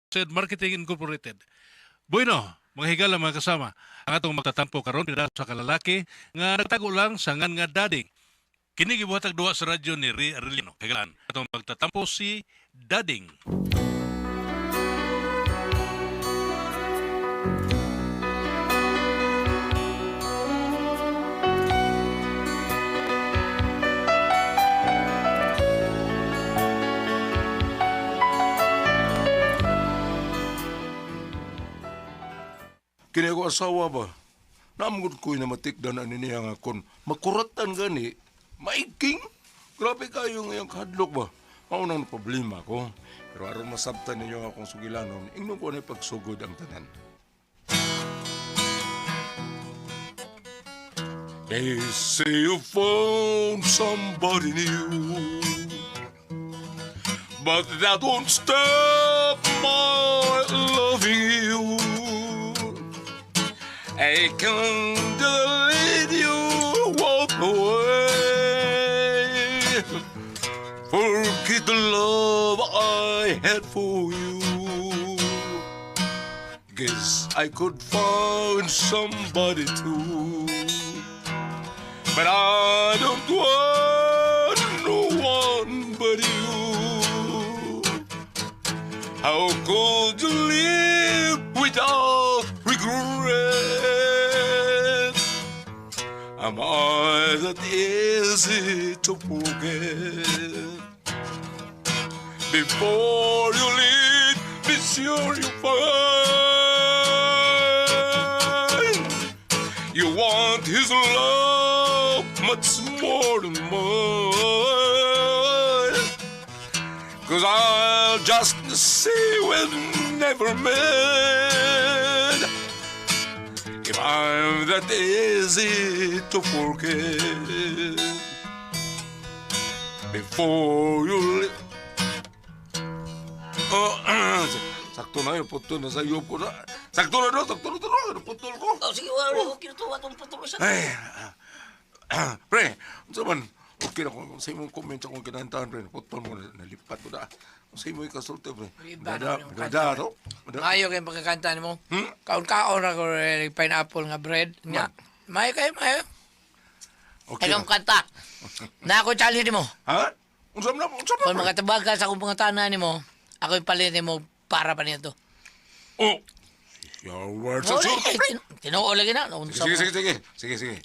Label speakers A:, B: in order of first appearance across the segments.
A: said Marketing Incorporated. Bueno, mga higala mga kasama, ang atong magtatampo karon pila sa kalalaki nga nagtago lang sa ngan nga dading. Kini gibuhatag duwa sa radyo ni Arellano. Higalaan, atong magtatampo si Dading.
B: Kini ako asawa ba? Namugod ko'y na matikdan na niya nga kon makuratan gani, maiking. Grabe kayo ngayong kahadlok ba? Maunang problema ko. Pero aron masabtan ninyo akong sugilanon, ingnon ko na pagsugod ang tanan. They say you found somebody new, but that won't stop my loving you. I can't let you walk away. Forget the love I had for you. Guess I could find somebody too, but I don't want no one but you. How could you live without regret? Am I that easy to forget? Before you leave, be sure you find you want his love much more than mine. 'Cause I'll just say we'll never met if I'm that easy to forget. Before you leave. Sakto na yun, putol na sa iyo ko na. Sakto na doon, putol ko.
C: Oh, sige, wala. Okay na ito. Atong patuloy sa...
B: Ay, pre, unsa man, okay na kung sa imong comment akong kinantahan, pre, putol mo, nalipat ko na. Sa imong ikasulti, pre. Dada, to?
C: Mayo kayong pagkakanta mo. Kaon-kaon ako pineapple nga bread. Nga. Mayo kayo, mayo.
B: Okay
C: Ay, kang kanta. Na ako challenge mo.
B: Ha? Unsa man,
C: Kung makatabag ka sa akong pangatana ni mo, ako yung palit mo para pa nito.
B: Oh, your words are true.
C: Tinuo lagi na.
B: Sige.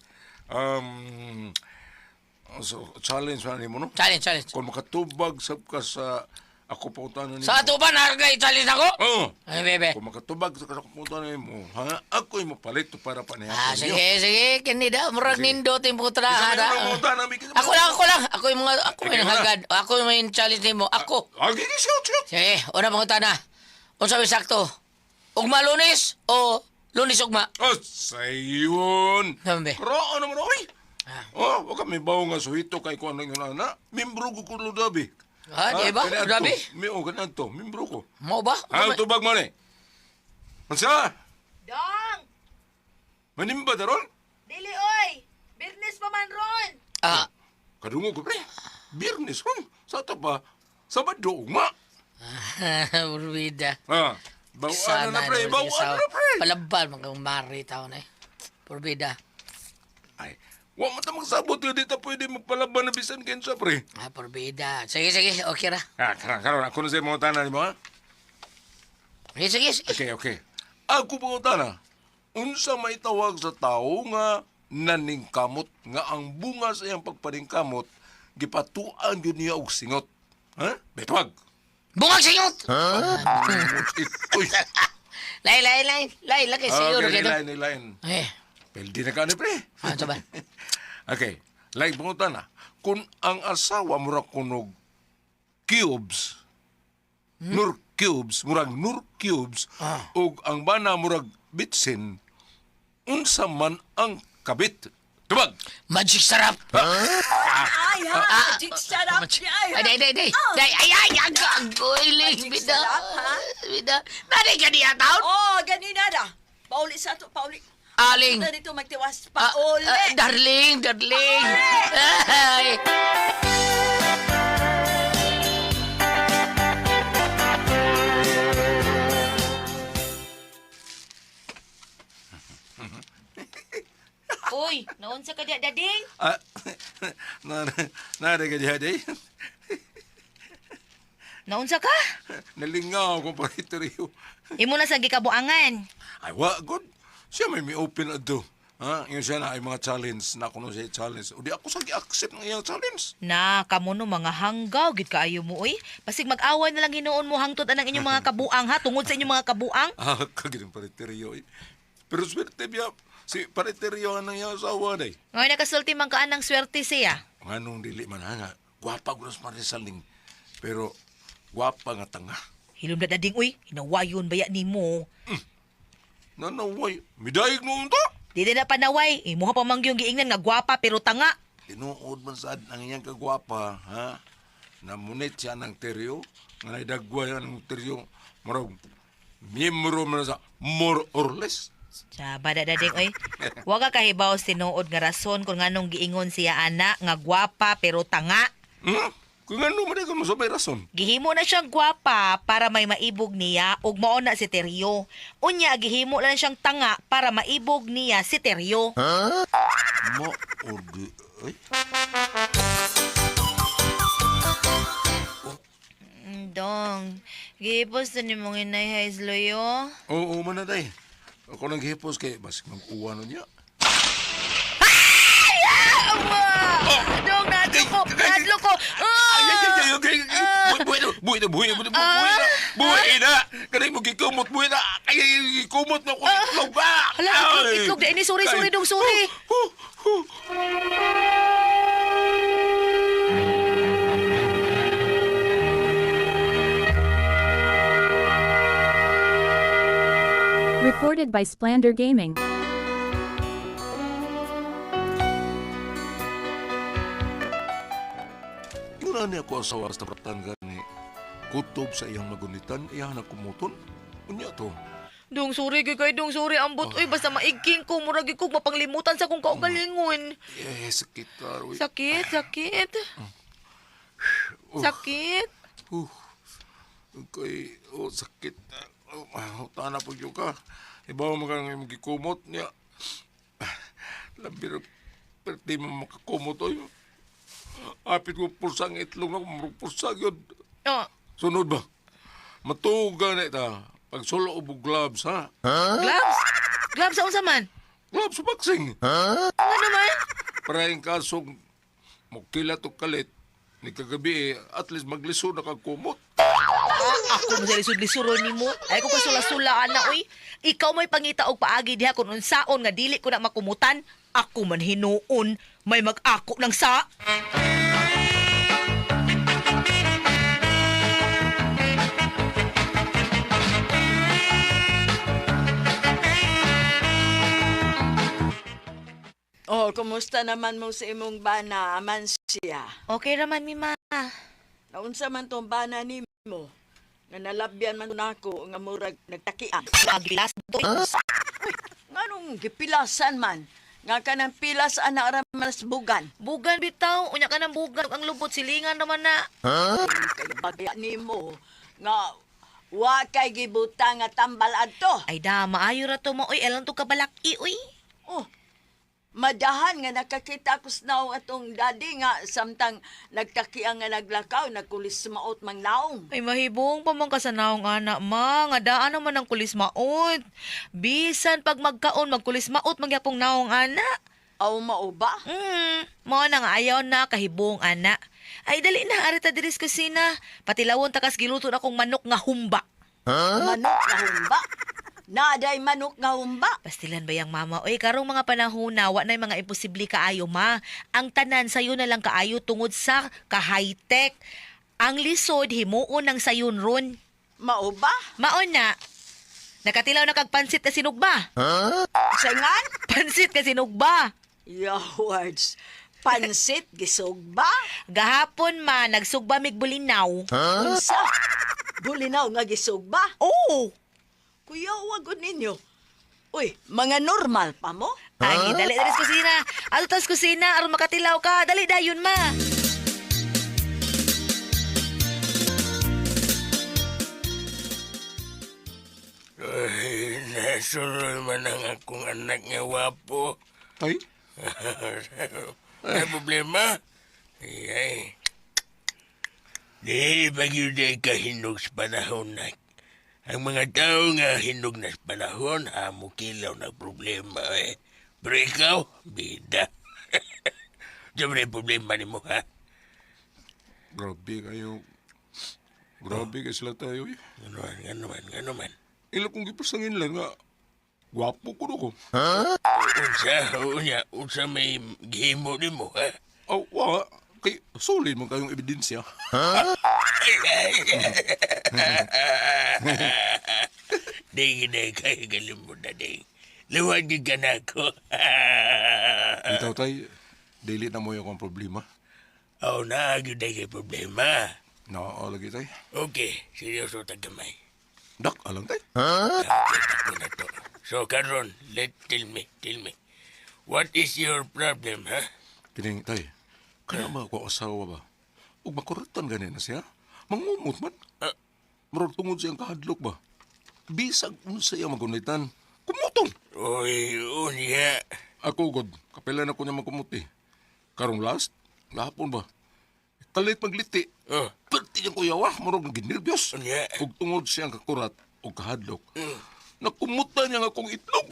B: So, challenge na mo, no?
C: Challenge.
B: Kung makatubag sab ka sa ako pautanan nimo.
C: Sa ato ba challenge ako?
B: Oo.
C: Ay, bebe.
B: Kung makatubag sa ako pautanan nimo, ha? Ako yung mapalit para panihan.
C: Sige. Kanida. Murag nindo ting putra. Ako lang. Ako yung hagad. Ako yung may challenge nimo. Ako.
B: Sige.
C: Sige. Una pangutana. Unsa may sakto? Ugma Lunes o Lunes ugma?
B: Oh, sayon.
C: Nambe.
B: Kraan naman, oy. Oh, wag kami bawo nga suhito kay kuan lang yun na. Membro ko kulo dabi.
C: Di ba? Grabe.
B: Ganyan to. Membro ko.
C: Mo ba?
B: Ang tubag mo ni. Ansa?
D: Dong!
B: Manimba daron?
D: Dili, oy! Business pa man ron!
B: Kadungo ko, pre. Birnis ron. Sa ito pa, Sabado, ma.
C: Purbida.
B: Ha? Bawaan na, pre. Bawaan na, pre.
C: Palabal, magkamari tao na eh. Purbida.
B: Ay, wa mo ta magsabot yun. Di ta pwede magpalaban na bisan kensa, pre.
C: Purbida. Sige. Okay ra.
B: Karon, ako na sa mga tanan mo, ha?
C: Sige.
B: Okay. Ako pa utana. Unsa may tawag sa tao nga naningkamot nga ang bunga sa iyang pagpaningkamot gipatuan yun niya og singot. Ha? Betwag.
C: Bungag singot!
B: Uy.
C: Lay. Lagay siyo.
B: Okay, nilain.
C: Eh,
B: Pwede na ka ni, pre.
C: ano ba?
B: Okay. Like pangutan na. Kung ang asawa murag kunog cubes, nur cubes, ug ang bana murag bitsin, unsa man ang kabit. Tubag!
C: Magic sarap!
D: Ay, ha? Magic sarap niya, ay, ha?
C: Ay, agoy, bida. Nari ka niya, taon?
D: Oh, ganina na. Pauli sa to, pauli.
C: Aling.
D: Ito dito magtiwas, pauli.
C: Darling. Ay.
D: Uy, naunsa ka diya, dading?
B: Ah, nada ka diha day.
D: Naunsa ka?
B: Nalingaw ko pa ito.
D: Imo na sa gikabuangan.
B: Ay, wa, good. Siya may open ato. Ha? Yung siya na ay mga challenge na kuno siya challenge. O di ako sa gi-accept ng iyang challenge.
D: Na, kamo no mga hanggaw, gid kaayo mo, uy. Pasig mag-away na lang hinuon mo hangtod anang inyong mga kabuang, ha? Tungod sa inyong mga kabuang.
B: Ah, kagitang pariteryo. Pero swerte biya, si pariteryo ang iyang asawa day.
D: Ngayon nakasulti man kaan ng swerte siya.
B: Nganong dili man nga. Gwapa ko sa marisaling. Pero, gwapa nga tanga.
D: Hilom na dading, uy. Hinawayon baya ni mo.
B: Nanaway, midayig noon to.
D: Di na panaway. Imo pa mangyong giingnan nga gwapa pero tanga.
B: Tinuod man sad ang iyang kagwapa, ha? Namunit siya ng teryo, nga naidagway ng teryo, marag, miyembro man sa more or less.
D: Sa bada dading, uy. Huwag ka kahibaw tinuod nga rason kung nganong giingon siya ana nga gwapa pero tanga.
B: Hmm? Kung ano man ka masabay rason.
D: Gihimo na siyang gwapa para may maibog niya ug mao na si Teryo. Unya gihimo na siyang tanga para maibog niya si Teryo.
B: Mo, or di, ay?
D: Dong, gihipos na ni mong inay Haisloyo.
B: Oo, manaday. Ako nang hipos kay, basik mag-uwa na niya.
D: Dong, nadlo ko.
B: Buhay na! Kanay mo gikumot, buhay na! Ay, gikumot na ako! Itlog ba?
D: Hala, itlog na ini. Sorry, dong, sorry.
E: Recorded by Splander Gaming.
B: Muna niya ako asawa sa tapatan gani. Kutob sa iyang magunitan, iyahan na kumuton. Unya to.
D: Dong, sorry kay dong, sorry ambot. Uy, basta maigking ko. Muragi ko mapanglimutan sa kong kaugalingon.
B: Eh, sakit ka, Roy.
D: Sakit. Sakit.
B: Kay, sakit. Tana po yung ka. Ibaw mo kang magikumot niya. Labir, pero di mo makakumot o yun. Apit ko pulsang itlog na kung pulsang yun.
D: Oh,
B: Sunod ba? Matuga na ita. Pag solo o gloves, ha?
D: gloves? Gloves sa unsa man?
B: Gloves sa boxing.
D: Ano naman?
B: Para yung kasong magkilat o kalit, ni kagabi at least magliso na kagkumot.
D: Ako mo sa lisod-lisuron ni mo. Ay ko kasula-sulaan na, uy. Ikaw may pangita og paagi diha kung unsaon nga dili ko na makumutan. Ako man hinuon, may mag-ako ng sa.
F: Oh, kumusta naman mo sa imong bana, aman siya?
D: Okay raman, Mima.
F: Naunsa man tong bana nimo? Nga nalabyan man nako nga murag nagtakian.
D: Magilas doy.
F: Nganong gipilasan man? Nga kanang pilas ana ra mas bugan.
D: Bugan bitaw, unya ka ng bugan. Ang lubot silingan naman na.
F: Kay bagya nimo nga wa kay gibutang nga tambal adto.
D: Ay da, maayo ra to mo. Uy, elang to kabalaki, uy.
F: Oh. Madahan nga nakakita ko sa atong daddy nga samtang nagtakiang nga naglakaw, nagkulis maot mang naong.
D: Ay mahibong pa man kasanaong anak ma. Nga daan naman ang kulis maot. Bisan pag magkaon, magkulis maot magyapong naong anak.
F: Aw mao ba?
D: Mo na nga ayaw na kahibong anak. Ay dali na, arita diris kusina. Patilawon takas giluto na kong manok nga humba.
F: Manok nga humba? Naday manok nga humba?
D: Pastilan ba yung mama? Oy, karong mga panahon na, wa na yung mga imposible kaayo, ma. Ang tanan sayo na lang kaayo tungod sa ka-high-tech. Ang lisod, himuon ng sayon ron.
F: Mao ba?
D: Maon na. Nakatilaw na kag pansit ka sinugba.
F: Saingan?
D: Pansit ka sinugba.
F: Yawards. Pansit, gisog ba?
D: Gahapon ma, nagsugba mig bulinaw.
F: Unsa? Bulinaw nga gisog ba?
D: Oo.
F: Kuya, wag ninyo. Uy, mga normal pa mo?
D: Ay, dali sa kusina. Ato tas kusina, aron makatilaw ka. Dali dayon ma.
G: Ay, nasunod man ang akong anak nga wapo.
B: Ay,
G: May problema? Ay. Di ba yun ay kahinog sa panahon na ang mga tao nga hinog na sa panahon, amo kilaw na problema eh. Pero ikaw, bida. Diyan mo na yung problema ni mo, ha?
B: Grabe kayo. Grabe kayo sila tayo eh.
G: Ano man.
B: Ila kong gipasangin lang nga. Gwapo ko na ko.
G: Unsa may gihimo ni mo, ha?
B: Aw, wa. Kay, solid mo kayong ebidensya.
G: Ding, kaya galing mo na, ding. Luwagin ka na ako.
B: Itaw tay, dili na mo yung problema.
G: Nagyod na kay problema.
B: Oo, lagi tay.
G: Okay, seryoso tagamay.
B: Dak, alang tay.
G: Okay, na to. So, Karon, tell me. What is your problem, ha?
B: Kining tay, kaya ba ako asawa ba? Ug makuratan gani na siya? Mangumot man. Murag tungod siyang kahadlok ba? Bisag unsa iya magunitan. Kumutong.
G: Uy, unya.
B: Ako god, kapilan ako niya magkumuti. Karong last, lahapon ba? Kalit magliti.
G: Oh,
B: Perti niyang kuyawa, murag ginirbyos.
G: unya.
B: Ug tungod siyang kakurat o kahadlok. Nakumutan niya nga akong itlog.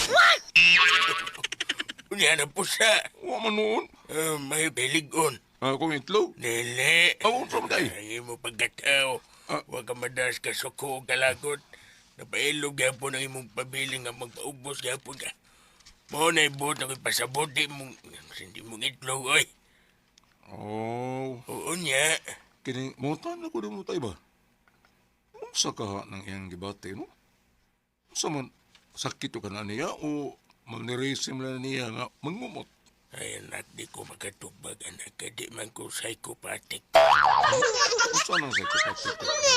G: Unya na po siya.
B: Wa man noon.
G: May beligon.
B: Akong itlog.
G: Dili.
B: Ako sa day.
G: Ay mo pagkatao. Huwag ka madas ka suko o kalagot. Napailog gapon ang imong pabiling nga magpaubos gapon ka. Mo na ibot na ko'y pasabot di mong hindi mong itlog, oy.
B: Oh,
G: Oo niya.
B: kining mutan ako din mo tayo ba? Unsa ka nang iyang gibate, no? Unsa man sakit ka na niya o malniresim na niya nga mangumot?
G: Ay, anak, di ko makatubag, anak. Di man ko psychopathic.
B: Unsa nang sa kapatid?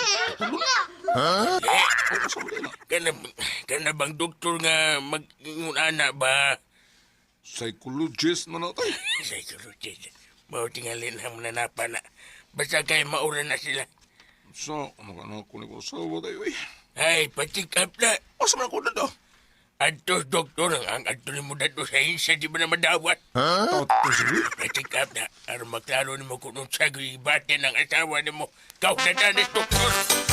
B: Unsa man na?
G: Kana bang doktor nga mag-anak ba?
B: Psychologist man na tayo.
G: Psychologist. Mau tingalin ang nanapa na. Basta kayo maura na sila.
B: So, ano ka na ako ni ko asawa tayo eh?
G: Ay, patik up na.
B: Asa man ako na daw?
G: Antos doktor ang anto ni mo dato sa hinsa di ba na madawat?
B: Tato sige.
G: Patik up na. Aron maklaro ni mo kung nung sagoy bate ng asawa ni mo. Kau na danis doktor.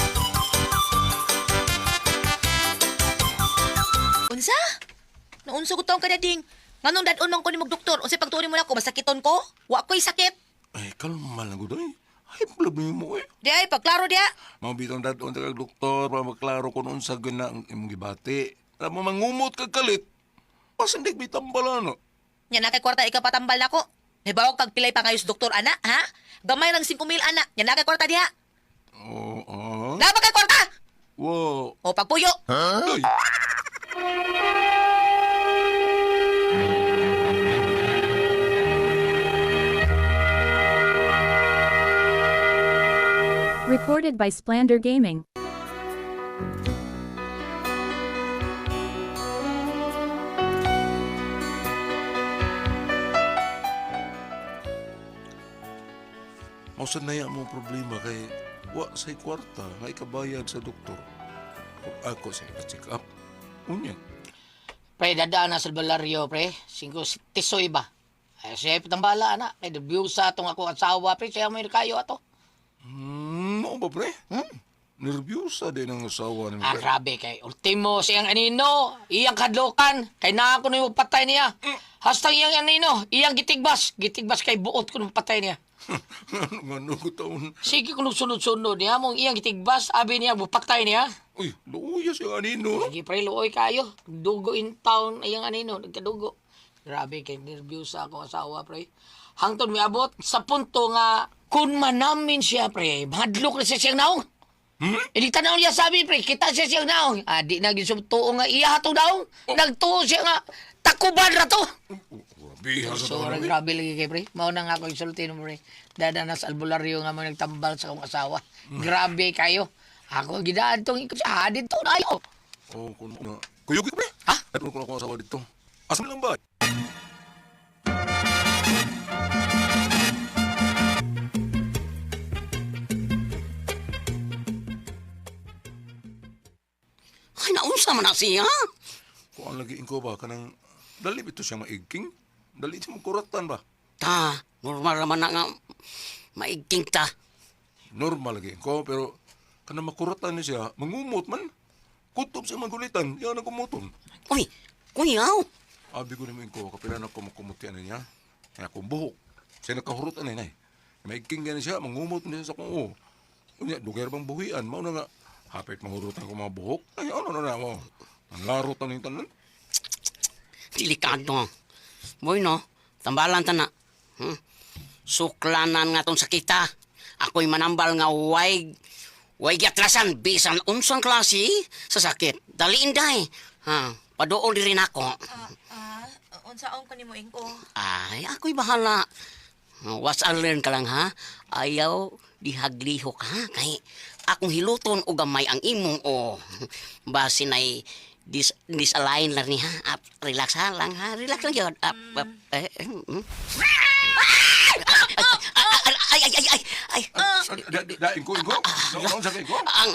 D: Unsa? Naunsa ko taong kadading. Nganong dadon man ko ni magdoktor? Unsay pagtuon mo nako masakiton ko? Wa ko'y sakit.
B: Ay, kalma lang ko daw. Ay, problema mo eh.
D: Di ay pagklaro dia.
B: Mabitong dadon tagag doktor para maklaro kung unsa gina ang imong gibati. Alam mo mangumot kag kalit. Pasindig bitambala no.
D: Nya na kay kwarta ika patambal nako. Hibawag kag pilay pa kayos doktor ana, ha? Gamay lang 5,000 ana. Nya na kay kwarta diha.
B: Oo.
D: Na ba kay kwarta?
B: Wow.
D: O pagpuyo.
B: Ay,
E: Recorded by Splander Gaming.
B: mausan na mo problema kay wa say kwarta nga ikabayad sa doktor. Kung ako sa check up. Unya.
C: Pre, dadaan na sa balaryo, pre. 5 tisoy ba? Ay, siya patambala, ana. Kay debyusa atong ako asawa, pre. Siya may kayo ato.
B: Mo ba pre? Nervyosa din ang asawa ni
C: Ah,
B: pre.
C: grabe kay. Ultimo siyang anino. Iyang kadlokan. Kay na ako na patay niya. Hastang iyang anino. Iyang gitigbas. Gitigbas kay buot ko nung patay niya.
B: Ano ko taon?
C: Sige kung sunod-sunod niya. Mong iyang gitigbas. Abi niya, bupatay niya.
B: Uy, luya siya anino.
C: Lagi pre, luoy kayo. Dugo in town. Iyang anino. Nagkadugo. Grabe kay nervyos ako asawa, pre. Hangtod may abot sa punto nga kung manamin siya, pre, mahadlok na siya siyang naong. Ilita na niya sabi, pre, kita siya siyang naong. Di na gisubtuo nga iya hatong naong. Nagtuo siya nga, takuban na to.
B: Biha sa
C: So,
B: taon.
C: grabe lagi kay pre. Mao na nga ako insulti mo, pre. Dada na sa albularyo nga mo nagtambal sa akong asawa. Grabe kayo. Ako gidaan tong ikot sa hadid to na ayo.
B: Oh, kung na. Kuyog ka pre.
C: Ha?
B: Ano ko na ako asawa dito? Asa lang ba?
H: Ay, naunsa man na siya.
B: Kung ang lagi ko ba kanang dali ito siya maigking? Dali siya magkuratan ba?
H: Ta, normal naman na nga maigting ta.
B: Normal lagi ko, pero kana makuratan ni siya, mangumot man. Kutob siya magulitan, yan ang kumuton.
H: Uy, kuyaw.
B: Abi ko naman ko, kapilan ako makumutian niya. Kaya akong buhok. Siya nakahurutan na yun. Maigking gani siya, mangumot niya sa kung o. Unya, dugar bang buhian, mao na nga. Hapit mahurutan ko mga buhok. Ay, ano na mo. Ang larutan ng tanan.
H: Delikado. Boy, no? Tambalan ta na. Suklanan nga tong sakita. Ako'y manambal nga way giatrasan bisan unsang klase sa sakit. Daliin day. Paduol di rin ako.
D: Unsaon ko nimo ingko?
H: Ay, ako'y bahala. Was I learn ka lang ha. Ayaw dihaglihok ha. Kay akong hiluton o gamay ang imong o. Basin ay disalign lang ni ha. Relax ha lang ha. Relax lang yun. Ay.
B: Daing ko. Noon sa ko.
H: Ang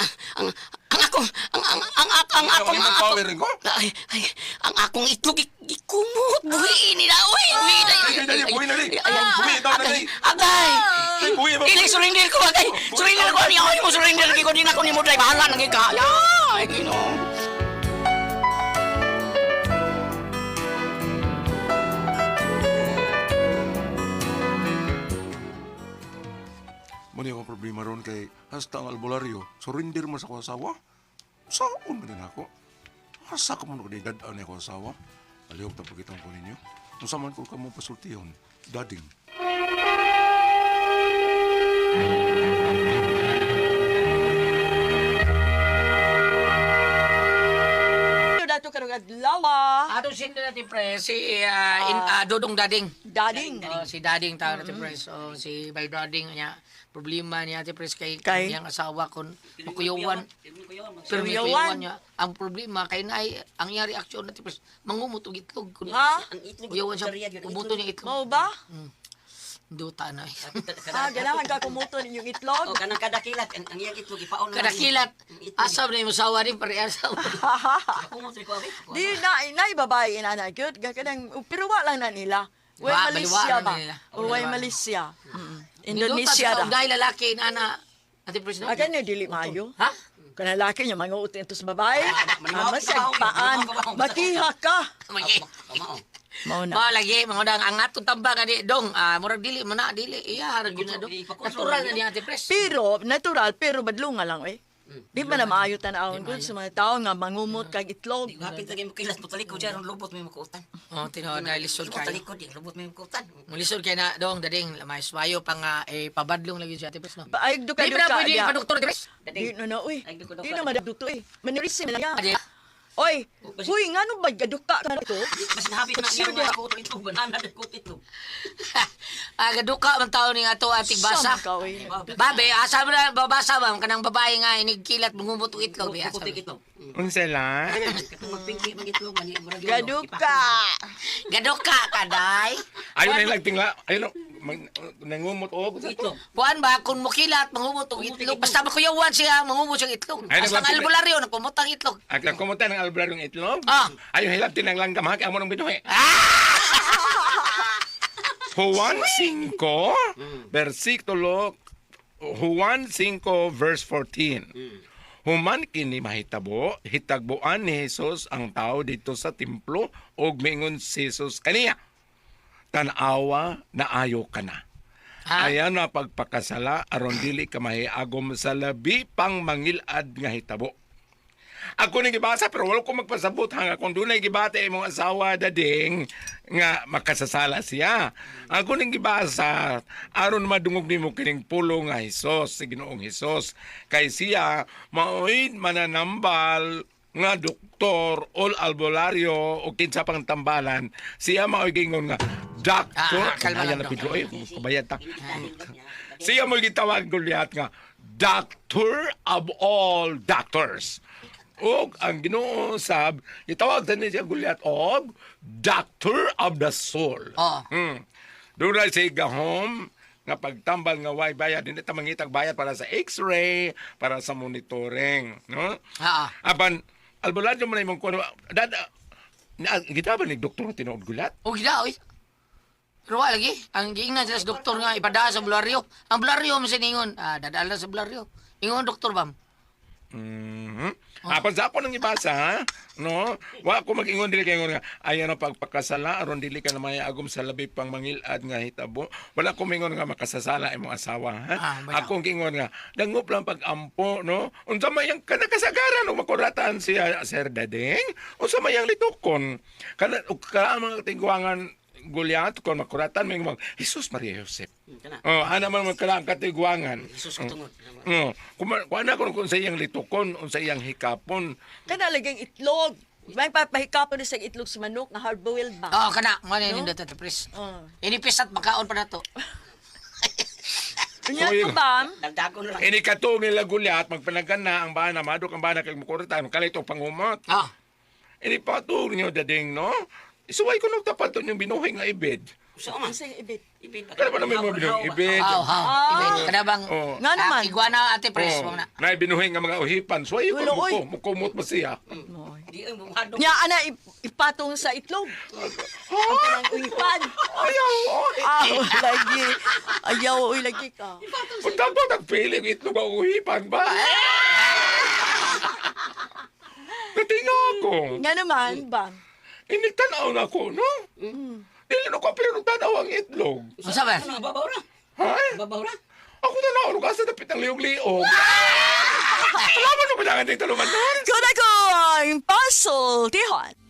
B: Ang power ko.
H: ang akong itlog ikumot. Buhiin nila. Uy,
B: Buhi na li. Buhi, itaw na li.
H: Agay!
B: Buhi,
H: Ili, surrender ko, agay! Surrender ko, niya mo surrender ko, din ako ni mo, dahil bahala ng ika. Ay, gino.
B: Muna yung problema ron kay hasta ang albularyo. Surrender mo sa ko asawa. Saan man din ako? Asa ka mo na kadidadaan ako asawa? Alihog na pagkitang ko ninyo. Kung saan man ko ka mo pasultiyon, dading.
F: Dato karong adlaw.
C: Ato sin natin pre si Dodong Dading.
F: Dading.
C: Si Dading tawag natin pre. So si Bay Dading niya problema niya natin pre kay
F: Kay?
C: kanyang asawa kon makuyuwan. Pero may
F: Kuyawan.
C: kuyuwan niya. Ang problema kay na ang iya reaksyon natin pre mangumot og itlog.
F: Ha?
C: Kuyawan siya umuto niya itlog.
F: Mao ba?
C: Duta na.
F: Ganahan ka kumuto ninyong itlog.
H: O, kanang kadakilat, ang iyang itlog, ipaon na.
C: Kadakilat. Asam na yung sawa rin pare asawa.
H: Kumot rin ko, abi.
F: Di na babae inana gyud kanang pero wa lang na nila. Way
C: Wa,
F: Malaysia
C: baliwaan
F: ba?
C: na nila.
F: O way
C: Baliwaan.
F: Malaysia. Indonesia
C: Duta
F: ra.
C: dahil lalaki na ate pre.
F: Aga ni dili maayo.
C: Ha?
F: Kana lalaki niya mga utin to sa babae.
H: manibaw,
F: Masag paan. Makiha ka.
C: Magi.
F: Mao na.
C: Mao lagi mga dang ang atong tamba nga di dong murag dili man na dili iya harag yun na dong. Natural na niya ate pres.
F: Pero natural pero badlunga lang eh. Di ba na maayo tanawon ko sa mga tao nga mangumot kag itlog.
H: Hapit lagi mo kilas mo talikod dyan, ang lubot mo yung makuutan.
C: Oh tinood na lisod
H: Mo
C: kay.
H: talikod, yung lubot mo yung makuutan.
C: Mulisod kay na dong dading may swayo pa nga pabadlong lagi si ate pres no.
F: Paayog do ka
C: Di
F: do
C: ba
F: ka.
C: pwede pa doktor ate pres?
F: Di no uy.
H: Ay, duko,
F: Di
H: duko.
F: na madagduto eh. Manirisim na niya.
C: Adi.
F: Oy, huy ngano ba gaduka ka na to?
H: Mas nahapit na niya mga kuto itlog, banana na kuto itlog.
C: Gaduka man taon ni ato ating basa.
F: Sama ka, oy.
C: Babe, asa mo na babasa ba kanang babae nga inigkilat mangumot og itlog be asa.
H: Kuto itlog.
I: Unsa la?
H: Katong magpingki mag itlog, mani murag yun,
F: Gaduka.
C: Gaduka kaday.
I: Ayun na yung nagtingla. Ayun nangumot og.
H: Itlog.
C: Kuan ba kung mukilat mangumot og itlog basta makuyawan siya mangumot siyang itlog.
I: Ay,
C: Basta ang
I: nagwapit-
C: albularyo nagpumutang itlog.
I: At kumutan ng albularong itlog.
C: Ah.
I: Ayun hilap tinang langgam ha kay amo nang binuhi. Juan 5 versikulo Juan 5 verse 14. Human kini mahitabo, hitagbuan ni Jesus ang tao dito sa templo ug mingon si Jesus kaniya. Tanawa na ayo ka na.
C: Ha?
I: Ayan na pagpakasala aron dili ka mahiagom sa labi pang mangilad nga hitabo. Ako nang gibasa pero wala ko magpasabot hanga kung dunay gibate imong asawa dading nga makasasala siya. Ako nang gibasa aron madungog nimo kining pulo nga Hesus si Ginoong Hesus kay siya maoy mananambal nga doktor ol albularyo o kinsa pang tambalan siya maoy gingon nga doctor
C: kalma lang,
I: na
C: Dong.
I: Pedro ay kabayad ta. Siya mo gitawag Goliath nga doctor of all doctors. Og ang Ginoo sab gitawag din siya Goliath og doctor of the soul.
C: Oh.
I: Doon na siya gahom nga pagtambal nga way bayad hindi ta mangitag bayad para sa X-ray, para sa monitoring, no?
C: Ha.
I: Apan albularyo mo na imong kuno dada gitawag ni doktor tinuod Goliath.
C: O gila oy. Pero wala lagi. Ang giingnan sila sa doktor nga ipada sa bularyo. Ang bularyo mo siningon. Dadala sa bularyo. Ingon doktor bam.
I: Apan sa ako nang ibasa, ha? No? Wa ako mag-ingon dili kay nga ayan ang pagpakasala aron dili ka na may agom sa labi pang mangilad nga hitabo. Wala ko mingon nga makasasala imong asawa, ha?
C: bayaw.
I: Akong gingon nga dangop lang pag-ampo, no? Unsa may ang kasagaran ug makuratan siya Sir Dadeng? Unsa may ang litukon? Kana ug ka ang mga tingguangan Goliath kon makuratan may mga Jesus Maria Joseph.
H: Kana.
I: Oh, ana man magkala ang katigwangan.
H: Jesus katungod.
I: Kung ana kung sa iyang litukon, sa iyang hikapon,
F: Kana lagang itlog. May papahikapon sa itlog sa manok nga hard-boiled ba?
C: Oh, kana. Mo ni nindot ito, pres. Inipis at makaon pa na to.
F: Unya
I: So,
F: to ba?
H: Dagdagon lang.
I: ini katong nila Goliath magpanagana ang bana madok ang bana kay mukuratan kalito pangumot.
C: Oh.
I: Ini patug niyo dading no. Isuway ko nung tapat to yung binuhay nga ibid.
H: Usa man.
F: Ang ibit.
H: Ibit.
I: Kaya pa naman mo binuhay ibid.
C: Ibig. Kada bang
I: Oh.
F: Nga naman.
C: iguana ate pres mo na.
I: Na binuhay nga mga uhipan. Suway ko
F: Ulo, oy.
I: mukumot mo siya.
H: Di ang bumado.
F: Nya ana ipatong sa itlog. Ang kanang uipan.
I: Ayaw.
F: Lagi. Ayaw uy lagi ka.
I: Punta po nagpili ng itlog ang uhipan ba? Natinga ako.
F: Nga naman ba?
I: Inigtanaw na ako, no? Dili na ko pero tanaw ang itlog.
C: Unsa ba?
H: Ano babaw ra?
I: Ha?
H: Babaw ra?
I: Ako na naon ka sa dapit ng liog-liog. Alam mo na ba na nga talungan doon?
F: Kuna ko ang puzzle, Tihon.